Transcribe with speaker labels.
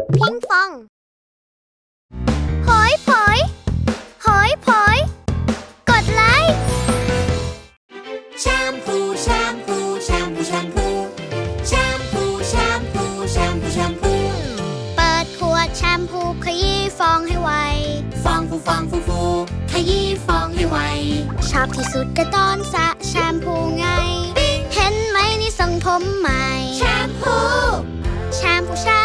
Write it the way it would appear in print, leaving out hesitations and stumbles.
Speaker 1: พิงฟองหอยผอยหอยผอยกดไลค์
Speaker 2: แชมพูแชมพูแชมพูแชมพูแชมพูแชมพูแชมพูแชมพู
Speaker 1: เปิดขวดแชมพูขยี้ฟองให้ไว
Speaker 2: ฟองฟูฟองฟูฟูขยี้ฟองให้ไว
Speaker 1: ชอบที่สุดก็ตอนสระแชมพูไงเห็นไหมนี่ทรงผมใหม่
Speaker 2: แชมพู
Speaker 1: แชมพู